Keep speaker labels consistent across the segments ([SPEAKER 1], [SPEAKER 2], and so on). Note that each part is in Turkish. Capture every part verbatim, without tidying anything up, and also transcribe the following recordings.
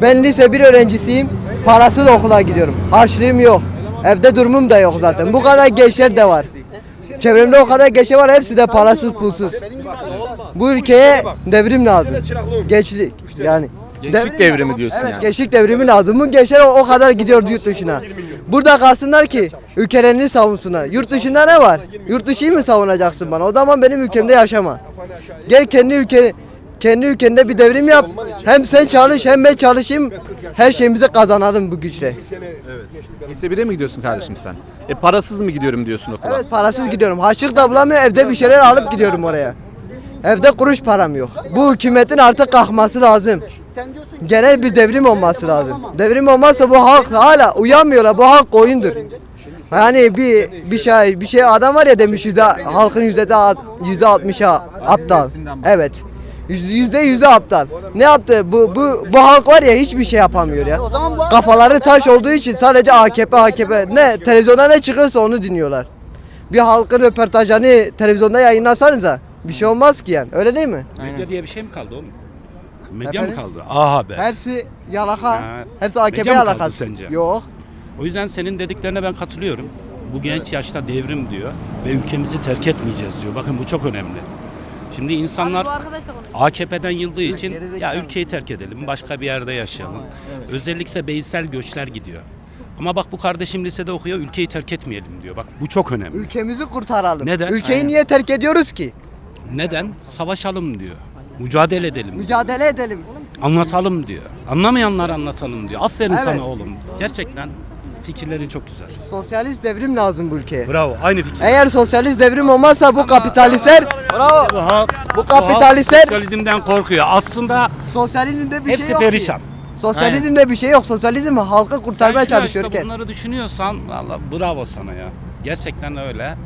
[SPEAKER 1] Ben lise bir öğrencisiyim. Parasız okula gidiyorum. Harçlığım yok. Evde durumum da yok zaten. Bu kadar gençler de var. Çevremde o kadar gençler var. Hepsi de parasız, pulsuz. Bu ülkeye devrim lazım. Gençlik yani.
[SPEAKER 2] Gençlik devrimi diyorsun
[SPEAKER 1] Evet,
[SPEAKER 2] yani.
[SPEAKER 1] gençlik devrimi lazım. Bu gençler o, o kadar gidiyor yurt dışına. Burada kalsınlar ki ülkelerini savunsunlar. Yurt dışında ne var? Yurt dışıyı mı savunacaksın bana? O zaman benim ülkemde yaşama. Gel kendi ülke kendi ülkende bir devrim yap. Hem sen çalış hem ben çalışayım. Her şeyimizi kazanalım bu güçle.
[SPEAKER 2] Lise bire mi gidiyorsun kardeşim sen? E parasız mı gidiyorum diyorsun okula?
[SPEAKER 1] Evet, parasız gidiyorum. Harçlık da bulamıyorum. Evde bir şeyler alıp gidiyorum oraya. Evde kuruş param yok. Bu hükümetin artık kalkması lazım. Genel bir devrim olması lazım. Devrim olmazsa bu halk hala uyanmıyorlar. Bu halk oyundur. Yani bir bir şey bir şey adam var ya demiş yüzde halkın yüzde yüzde altmışa aptal. Evet. Yüzde yüzde aptal. Ne yaptı? Bu bu bu halk var ya hiçbir şey yapamıyor ya. Kafaları taş olduğu için sadece A K P A K P ne televizyonda ne çıkıyorsa onu dinliyorlar. Bir halkın röportajını televizyonda yayınlasanıza bir şey olmaz ki yani. Öyle değil mi?
[SPEAKER 3] Medya diye bir şey mi kaldı oğlum? Medya
[SPEAKER 1] Efendim?
[SPEAKER 3] mı kaldı? A Haber.
[SPEAKER 1] Hepsi yalaka.
[SPEAKER 3] Ha,
[SPEAKER 1] Hepsi A K P
[SPEAKER 3] medya mı kaldı
[SPEAKER 1] yalakası.
[SPEAKER 3] sence?
[SPEAKER 1] Yok.
[SPEAKER 3] O yüzden senin dediklerine ben katılıyorum. Bu genç yaşta devrim diyor ve ülkemizi terk etmeyeceğiz diyor. Bakın bu çok önemli. Şimdi insanlar A K P'den yıldığı için ya ülkeyi terk edelim, başka bir yerde yaşayalım. Özellikle beysel göçler gidiyor. Ama bak bu kardeşim lisede okuyor, ülkeyi terk etmeyelim diyor. Bak bu çok önemli.
[SPEAKER 1] Ülkemizi kurtaralım.
[SPEAKER 3] Neden?
[SPEAKER 1] Ülkeyi
[SPEAKER 3] Aynen.
[SPEAKER 1] niye terk ediyoruz ki?
[SPEAKER 3] Neden? Savaşalım diyor. Mücadele edelim.
[SPEAKER 1] Mücadele edelim.
[SPEAKER 3] Anlatalım diyor. Anlamayanlar anlatalım diyor. Aferin
[SPEAKER 1] Evet.
[SPEAKER 3] sana oğlum. Gerçekten fikirlerin çok güzel.
[SPEAKER 1] Sosyalist devrim lazım bu ülkeye.
[SPEAKER 3] Bravo. Aynı fikir.
[SPEAKER 1] Eğer sosyalist devrim olmazsa bu kapitalistler Bravo.
[SPEAKER 3] Bu halk,
[SPEAKER 1] Bu kapitalistler
[SPEAKER 3] sosyalizmden korkuyor. Aslında
[SPEAKER 1] sosyalizmde bir
[SPEAKER 3] hepsi
[SPEAKER 1] şey yok
[SPEAKER 3] perişan.
[SPEAKER 1] ki. Sosyalizmde bir şey yok. Sosyalizm halkı kurtarmaya
[SPEAKER 3] Sen şu
[SPEAKER 1] çalışıyorken.
[SPEAKER 3] yaşta bunları düşünüyorsan valla bravo sana ya. Gerçekten öyle.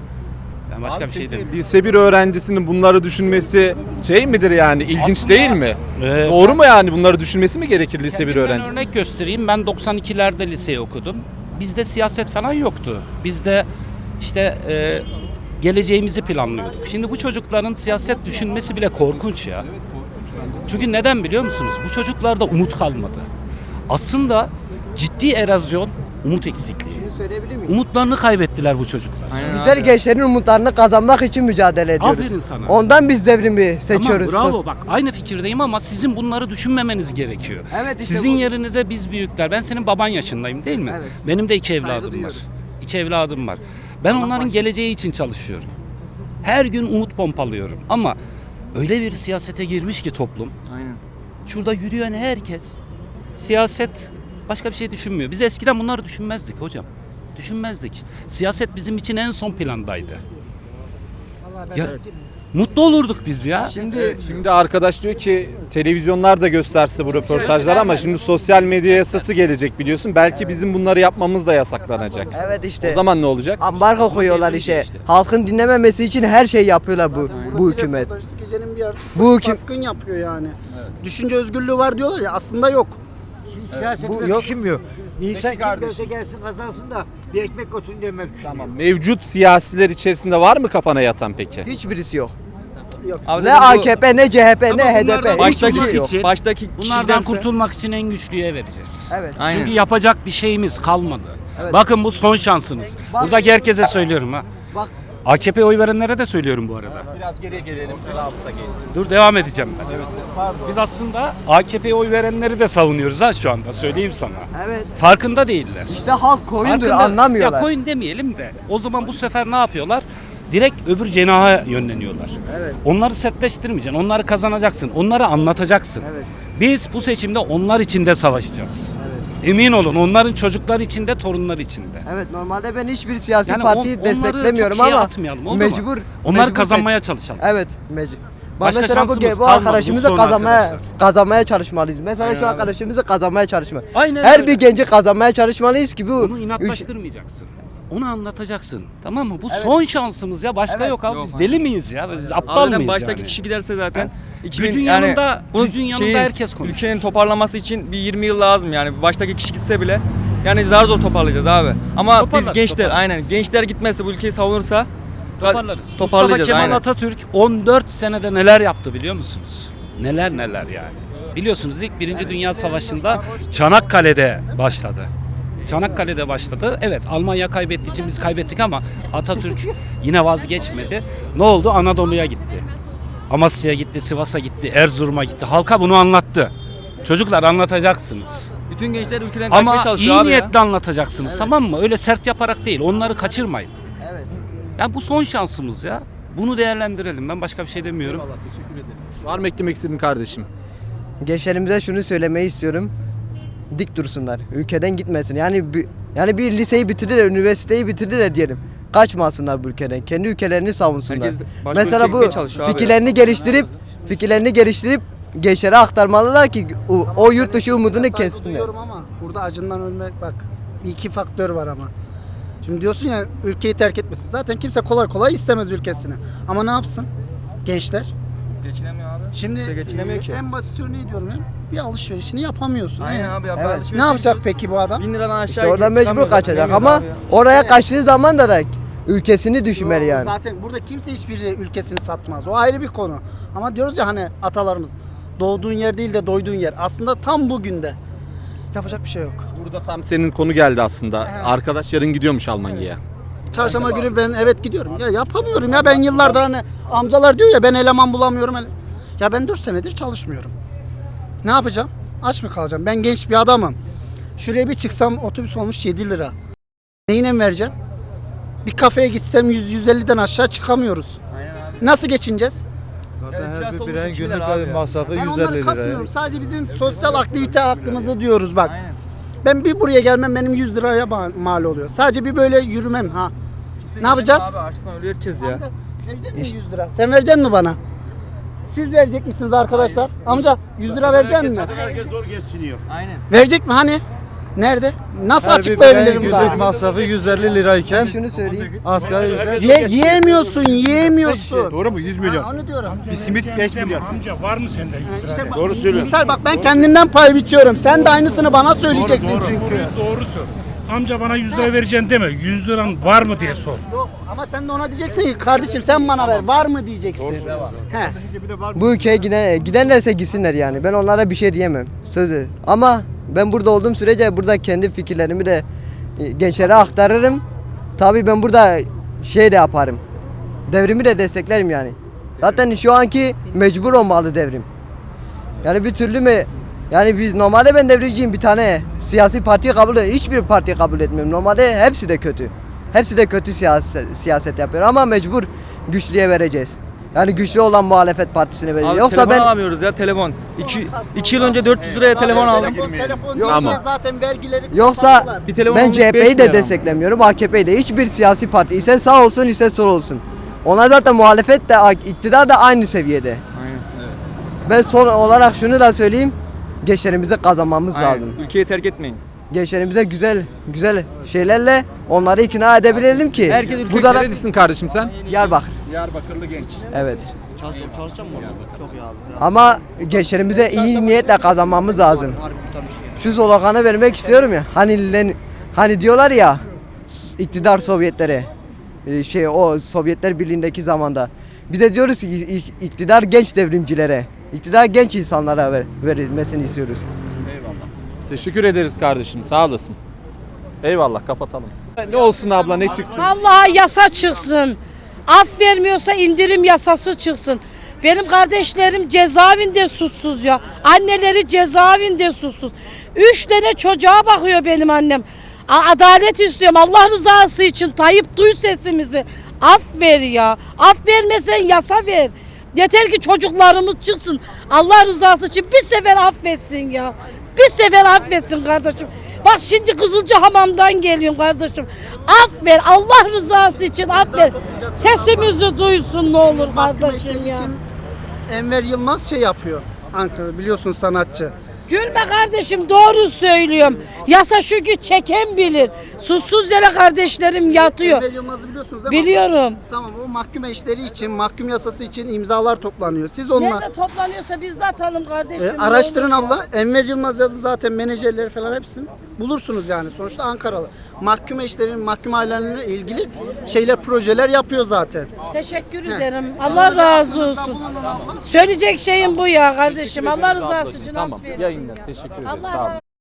[SPEAKER 3] Ben başka bir şey demiyorum.
[SPEAKER 2] Lise bir öğrencisinin bunları düşünmesi şey midir yani ilginç
[SPEAKER 3] Aslında-
[SPEAKER 2] değil mi?
[SPEAKER 3] Ee,
[SPEAKER 2] Doğru mu yani bunları düşünmesi mi gerekir lise bir
[SPEAKER 3] Kendimden
[SPEAKER 2] öğrencisi?
[SPEAKER 3] örnek göstereyim. Ben doksan ikilerde liseyi okudum. Bizde siyaset falan yoktu. Bizde işte e, geleceğimizi planlıyorduk. Şimdi bu çocukların siyaset düşünmesi bile korkunç ya. Çünkü neden biliyor musunuz? Bu çocuklarda umut kalmadı. Aslında ciddi erozyon, umut eksikliği.
[SPEAKER 1] Şunu söyleyebilir miyim?
[SPEAKER 3] Umutlarını kaybettiler bu çocuklar.
[SPEAKER 1] Bizler gençlerin umutlarını kazanmak için mücadele ediyoruz.
[SPEAKER 3] Aferin sana.
[SPEAKER 1] Ondan biz devrimi seçiyoruz.
[SPEAKER 3] Tamam, bravo
[SPEAKER 1] Sos-
[SPEAKER 3] bak aynı fikirdeyim ama sizin bunları düşünmemeniz gerekiyor.
[SPEAKER 1] Evet, işte
[SPEAKER 3] Sizin
[SPEAKER 1] bu-
[SPEAKER 3] yerinize biz büyükler. Ben senin baban yaşındayım değil mi?
[SPEAKER 1] Evet.
[SPEAKER 3] Benim de iki evladım var.
[SPEAKER 1] duyuyorum.
[SPEAKER 3] İki evladım var. Ben onların geleceği için çalışıyorum. Her gün umut pompalıyorum ama öyle bir siyasete girmiş ki toplum.
[SPEAKER 4] Aynen.
[SPEAKER 3] Şurada yürüyen herkes siyaset başka bir şey düşünmüyor. Biz eskiden bunları düşünmezdik hocam. Düşünmezdik. Siyaset bizim için en son plandaydı. Ya, mutlu olurduk biz ya.
[SPEAKER 1] Şimdi
[SPEAKER 2] Şimdi arkadaş diyor ki televizyonlar da gösterse bu röportajlar ama şimdi sosyal medya yasası gelecek biliyorsun. Belki bizim bunları yapmamız da yasaklanacak.
[SPEAKER 1] evet işte.
[SPEAKER 2] O zaman ne olacak?
[SPEAKER 1] ambargo koyuyorlar işte. Halkın dinlememesi için her şey yapıyorlar bu bu hükümet.
[SPEAKER 5] Gecenin bir yarısı
[SPEAKER 1] Bu hüküm-
[SPEAKER 5] baskın yapıyor yani. Düşünce özgürlüğü var diyorlar ya aslında yok.
[SPEAKER 6] Siyasetle düşünmüyor. İnsan kim gelirse gelsin kazansın da bir ekmek olsun demek. Tamam.
[SPEAKER 2] Mevcut siyasiler içerisinde var mı kafana yatan peki?
[SPEAKER 1] Hiçbirisi yok.
[SPEAKER 4] Abi
[SPEAKER 1] Ne
[SPEAKER 4] zaten bu
[SPEAKER 1] A K P ne C H P
[SPEAKER 3] Ama
[SPEAKER 1] ne H D
[SPEAKER 3] bunlardan
[SPEAKER 1] P.
[SPEAKER 3] baştaki
[SPEAKER 1] Hiçbirisi yok.
[SPEAKER 3] için-
[SPEAKER 4] baştaki
[SPEAKER 3] Bunlardan
[SPEAKER 4] kişilerse-
[SPEAKER 3] kurtulmak için en güçlüye vereceğiz.
[SPEAKER 1] Evet.
[SPEAKER 4] Aynen.
[SPEAKER 3] Çünkü yapacak bir şeyimiz kalmadı.
[SPEAKER 1] Evet.
[SPEAKER 3] Bakın bu son şansınız.
[SPEAKER 1] Bak-
[SPEAKER 3] Buradaki herkese söylüyorum ha.
[SPEAKER 1] Bak
[SPEAKER 3] A K P'ye oy verenlere de söylüyorum bu arada.
[SPEAKER 2] Biraz geriye gelelim.
[SPEAKER 3] Dur devam edeceğim ben. Biz aslında A K P'ye oy verenleri de savunuyoruz ha şu anda söyleyeyim sana.
[SPEAKER 1] evet.
[SPEAKER 3] Farkında değiller.
[SPEAKER 1] İşte halk koyundur
[SPEAKER 3] Farkında-
[SPEAKER 1] anlamıyorlar.
[SPEAKER 3] Ya koyun demeyelim de o zaman bu sefer ne yapıyorlar? Direkt öbür cenaha yönleniyorlar.
[SPEAKER 1] Evet.
[SPEAKER 3] Onları sertleştirmeyeceksin, onları kazanacaksın, onları anlatacaksın.
[SPEAKER 1] Evet.
[SPEAKER 3] Biz bu seçimde onlar için de savaşacağız. Emin olun onların çocuklar için de torunlar için de.
[SPEAKER 1] Evet normalde ben hiçbir siyasi
[SPEAKER 3] Yani
[SPEAKER 1] partiyi
[SPEAKER 3] on- onları
[SPEAKER 1] desteklemiyorum
[SPEAKER 3] çok şeye
[SPEAKER 1] ama
[SPEAKER 3] atmayalım, oldu mu?
[SPEAKER 1] mecbur.
[SPEAKER 3] Onları
[SPEAKER 1] mecbur
[SPEAKER 3] kazanmaya
[SPEAKER 1] seç-
[SPEAKER 3] çalışalım.
[SPEAKER 1] Evet mecbur. Bak
[SPEAKER 3] Başka
[SPEAKER 1] mesela bu,
[SPEAKER 3] şansımız
[SPEAKER 1] bu
[SPEAKER 3] kalmadı, bu
[SPEAKER 1] arkadaşımızı
[SPEAKER 3] son
[SPEAKER 1] kazanmaya
[SPEAKER 3] arkadaşlar.
[SPEAKER 1] kazanmaya çalışmalıyız. Mesela şu arkadaşımızı kazanmaya çalışma.
[SPEAKER 3] Aynen
[SPEAKER 1] Her
[SPEAKER 3] öyle.
[SPEAKER 1] bir genci kazanmaya çalışmalıyız ki bu
[SPEAKER 3] Onu
[SPEAKER 1] üç-
[SPEAKER 3] inatlaştırmayacaksın. Onu anlatacaksın. Tamam mı? Bu son şansımız ya. Başka
[SPEAKER 1] Evet.
[SPEAKER 3] yok abi.
[SPEAKER 4] Yok.
[SPEAKER 3] Biz deli miyiz ya? Biz aptal
[SPEAKER 4] Abi zaten
[SPEAKER 3] mıyız
[SPEAKER 4] baştaki
[SPEAKER 3] yani?
[SPEAKER 4] kişi giderse zaten iki bin
[SPEAKER 3] Gücün
[SPEAKER 4] yani
[SPEAKER 3] yanında-
[SPEAKER 4] bu
[SPEAKER 3] gücün yanında herkes konuşuyor.
[SPEAKER 4] Ülkenin toparlanması için bir yirmi yıl lazım yani. Baştaki kişi gitse bile yani zar zor toparlayacağız abi. Ama
[SPEAKER 3] Toparlarız,
[SPEAKER 4] biz gençler
[SPEAKER 3] toparlarız.
[SPEAKER 4] aynen gençler gitmezse bu ülkeyi savunursa
[SPEAKER 3] Toparlarız. Mustafa
[SPEAKER 4] toparlayacağız
[SPEAKER 3] Kemal
[SPEAKER 4] aynen.
[SPEAKER 3] Atatürk on dört senede neler yaptı biliyor musunuz? Neler neler yani. Biliyorsunuz ilk Birinci Dünya Savaşı'nda Çanakkale'de başladı. Çanakkale'de başladı. Evet, Almanya kaybettiği için biz kaybettik ama Atatürk yine vazgeçmedi. Ne oldu? Anadolu'ya gitti. Amasya'ya gitti, Sivas'a gitti, Erzurum'a gitti. Halka bunu anlattı. Çocuklar anlatacaksınız.
[SPEAKER 4] Bütün gençler ülkeden kaçmaya
[SPEAKER 3] Ama
[SPEAKER 4] çalışıyor
[SPEAKER 3] iyi
[SPEAKER 4] abi ya.
[SPEAKER 3] niyetle anlatacaksınız, tamam mı? Öyle sert yaparak değil. Onları kaçırmayın.
[SPEAKER 1] Evet.
[SPEAKER 3] Ya bu son şansımız ya. Bunu değerlendirelim. Ben başka bir şey demiyorum.
[SPEAKER 2] Var mı eklemek istediğin kardeşim?
[SPEAKER 1] Gençlerimize şunu söylemeyi istiyorum. Dik dursunlar. Ülkeden gitmesin. Yani bir, yani bir liseyi bitirdiler, üniversiteyi bitirdiler diyelim. Kaçmasınlar bu ülkeden. Kendi ülkelerini savunsunlar.
[SPEAKER 4] Herkes başka
[SPEAKER 1] Mesela
[SPEAKER 4] ülkeye
[SPEAKER 1] bu
[SPEAKER 4] gitmeye çalışıyor abi.
[SPEAKER 1] fikirlerini geliştirip fikirlerini geliştirip gençlere aktarmalılar ki o, o yurt dışı umudunu
[SPEAKER 5] Saygı
[SPEAKER 1] kessinler.
[SPEAKER 5] duyuyorum ama burada acından ölmek bak bir iki faktör var ama. Şimdi diyorsun ya ülkeyi terk etmesin. Zaten kimse kolay kolay istemez ülkesini. Ama ne yapsın? Gençler.
[SPEAKER 4] Geçinemiyor abi.
[SPEAKER 5] Şimdi
[SPEAKER 4] Kimse geçinemiyor
[SPEAKER 5] e,
[SPEAKER 4] ki.
[SPEAKER 5] en basit örneği diyorum ya. Bir alışverişini yapamıyorsun.
[SPEAKER 4] Aynen
[SPEAKER 5] E,
[SPEAKER 4] abi ya.
[SPEAKER 1] Evet.
[SPEAKER 4] alışveriş
[SPEAKER 5] Ne yapacak
[SPEAKER 4] yapıyoruz.
[SPEAKER 5] peki bu adam?
[SPEAKER 4] Bin liradan aşağı
[SPEAKER 1] İşte orada mecbur
[SPEAKER 4] çıkamıyoruz zaten,
[SPEAKER 1] kaçacak
[SPEAKER 4] bilemiyoruz
[SPEAKER 1] ama
[SPEAKER 4] abi ya.
[SPEAKER 1] oraya
[SPEAKER 5] İşte-
[SPEAKER 1] kaçtığı zaman da da ülkesini düşünmeli
[SPEAKER 5] Yo,
[SPEAKER 1] yani.
[SPEAKER 5] Zaten burada kimse hiçbir ülkesini satmaz. O ayrı bir konu. Ama diyoruz ya hani atalarımız doğduğun yer değil de doyduğun yer. Aslında tam bugün de. Yapacak bir şey yok.
[SPEAKER 2] Burada tam senin konu geldi aslında. Arkadaş yarın gidiyormuş Almanya'ya.
[SPEAKER 5] Çarşamba günü ben evet gidiyorum. Ya yapamıyorum ya ben yıllardır hani amcalar diyor ya ben eleman bulamıyorum. ele- Ya ben dört senedir çalışmıyorum. Ne yapacağım? Aç mı kalacağım? Ben genç bir adamım. Şuraya bir çıksam otobüs olmuş yedi lira. Neyine vereceğim? Bir kafeye gitsem yüz yüz elliden aşağı çıkamıyoruz. Nasıl geçineceğiz?
[SPEAKER 7] Her bir bireyin
[SPEAKER 4] iki
[SPEAKER 7] günlük
[SPEAKER 4] lira abi ya.
[SPEAKER 7] masrafı
[SPEAKER 5] Ben
[SPEAKER 7] yüz
[SPEAKER 5] onlara
[SPEAKER 7] elli lira.
[SPEAKER 5] katmıyorum. Sadece bizim sosyal aktivite hakkımızı diyoruz bak.
[SPEAKER 4] Aynen.
[SPEAKER 5] Ben bir buraya gelmem benim yüz liraya ma- mal oluyor. Sadece bir böyle yürümem ha. Ne yapacağız?
[SPEAKER 4] Abi açlıktan ölüyor herkes ya.
[SPEAKER 5] Amca, verecek misin yüz lira? Sen verecek mi bana? Siz verecek misiniz arkadaşlar? Amca yüz lira verecek mi?
[SPEAKER 4] Aynen.
[SPEAKER 5] Verecek mi hani? Nerede? Nasıl
[SPEAKER 7] Her bir bireyin
[SPEAKER 5] açıklayabilirim
[SPEAKER 7] günlük
[SPEAKER 5] daha?
[SPEAKER 7] masrafı yüz elli lirayken
[SPEAKER 1] Şunu söyleyeyim.
[SPEAKER 7] asgari ücret
[SPEAKER 5] Ye, yiyemiyorsun, yiyemiyorsun.
[SPEAKER 8] Doğru mu? yüz milyon.
[SPEAKER 5] Ha, onu diyorum.
[SPEAKER 8] Bir simit beş milyon.
[SPEAKER 9] Amca var mı sende?
[SPEAKER 5] İşte bak,
[SPEAKER 8] Doğru söylüyorsun.
[SPEAKER 5] misal bak ben kendimden pay biçiyorum. Sen de aynısını bana söyleyeceksin
[SPEAKER 9] doğru,
[SPEAKER 5] çünkü.
[SPEAKER 9] Doğru, doğru sor. Amca bana yüz lira vereceksin deme. yüz liran var mı diye sor.
[SPEAKER 5] Yok ama sen de ona diyeceksin ki kardeşim sen bana ver. Var mı diyeceksin. He.
[SPEAKER 1] Bu ülkeye giden, gidenlerse gitsinler yani. Ben onlara bir şey diyemem. Sözü. Ama ben burada olduğum sürece burada kendi fikirlerimi de e, gençlere aktarırım. Tabii ben burada şey de yaparım. Devrimi de desteklerim yani. Zaten şu anki mecbur olmalı devrim. Yani bir türlü mü yani biz normalde ben devriciyim bir tane siyasi partiyi kabul et, hiçbir partiyi kabul etmiyorum. Normalde hepsi de kötü. Hepsi de kötü siyaset, siyaset yapıyor ama mecbur güçlüye vereceğiz. Yani güçlü olan muhalefet partisine vereceğiz.
[SPEAKER 4] Abi
[SPEAKER 1] Yoksa
[SPEAKER 4] telefon
[SPEAKER 1] ben
[SPEAKER 4] alamıyoruz ya telefon. iki, iki yıl önce dört yüz liraya telefon aldım.
[SPEAKER 5] Telefon, telefon
[SPEAKER 2] Yok,
[SPEAKER 5] değil
[SPEAKER 2] ama-
[SPEAKER 5] ya zaten vergileri
[SPEAKER 1] Yoksa
[SPEAKER 5] kapattılar.
[SPEAKER 4] Bir telefon
[SPEAKER 1] ben
[SPEAKER 4] olmuş
[SPEAKER 1] C H
[SPEAKER 4] beş
[SPEAKER 1] P'yi de
[SPEAKER 4] milyar ama.
[SPEAKER 1] desteklemiyorum, A K P'yi de. Hiçbir siyasi parti ise sağ olsun ise sol olsun. Ona zaten muhalefet de iktidar da aynı seviyede.
[SPEAKER 4] Aynen.
[SPEAKER 1] Ben son olarak şunu da söyleyeyim. Gençlerimizi kazanmamız
[SPEAKER 4] Aynen.
[SPEAKER 1] lazım.
[SPEAKER 4] Ülkeyi terk etmeyin.
[SPEAKER 1] Gençlerimize güzel güzel şeylerle onları ikna edebilelim ki.
[SPEAKER 4] Herkes ülke
[SPEAKER 1] burada da
[SPEAKER 2] Nerelisin kardeşim sen?
[SPEAKER 1] Diyarbakır.
[SPEAKER 2] Diyarbakırlı genç.
[SPEAKER 1] Evet. Ama gençlerimize iyi niyetle kazanmamız lazım. Şu sloganı vermek istiyorum ya. Hani len- hani diyorlar ya s- iktidar Sovyetlere e, şey o Sovyetler Birliği'ndeki zamanda. Biz de diyoruz ki ik- iktidar genç devrimcilere, iktidar genç insanlara ver, verilmesini istiyoruz.
[SPEAKER 2] Teşekkür ederiz kardeşim. Sağ olasın. Eyvallah kapatalım. Ne olsun abla ne çıksın?
[SPEAKER 10] Vallahi yasa çıksın. Af vermiyorsa indirim yasası çıksın. Benim kardeşlerim cezaevinde suçsuz ya. Anneleri cezaevinde suçsuz. Üç tane çocuğa bakıyor benim annem. A- Adalet istiyorum. Allah rızası için Tayyip duy sesimizi. Af ver ya. Af vermesen yasa ver. Yeter ki çocuklarımız çıksın. Allah rızası için bir sefer affetsin ya. Bir sefer affetsin kardeşim. Bak şimdi Kızılcahamam'dan geliyorum kardeşim. Af ver. Allah rızası için af ver. Sesimizi duysun ne olur kardeşim ya.
[SPEAKER 5] için Enver Yılmaz şey yapıyor. Ankara biliyorsun sanatçı.
[SPEAKER 10] Gülme kardeşim doğru söylüyorum. Yasa şu ki çeken bilir. Suçsuz yere kardeşlerim yatıyor.
[SPEAKER 5] Enver Yılmaz'ı biliyorsunuz değil mi?
[SPEAKER 10] Biliyorum.
[SPEAKER 5] Tamam o mahkum eşleri için, mahkum yasası için imzalar toplanıyor. Siz onunla
[SPEAKER 10] Nerede toplanıyorsa biz de atalım kardeşim.
[SPEAKER 5] e, araştırın abla. Enver Yılmaz yazı zaten menajerleri falan hepsini bulursunuz yani. Sonuçta Ankaralı. Mahkum eşlerin, mahkum ailelerine ilgili şeyler, projeler yapıyor zaten.
[SPEAKER 10] Teşekkür ederim. Allah razı olsun. Söyleyecek şeyim bu ya kardeşim. Allah rızası için
[SPEAKER 2] Tamam.
[SPEAKER 10] affedin.
[SPEAKER 2] Yayınlar. Teşekkür ederiz.
[SPEAKER 10] Allah
[SPEAKER 2] Sağ olun.
[SPEAKER 10] razı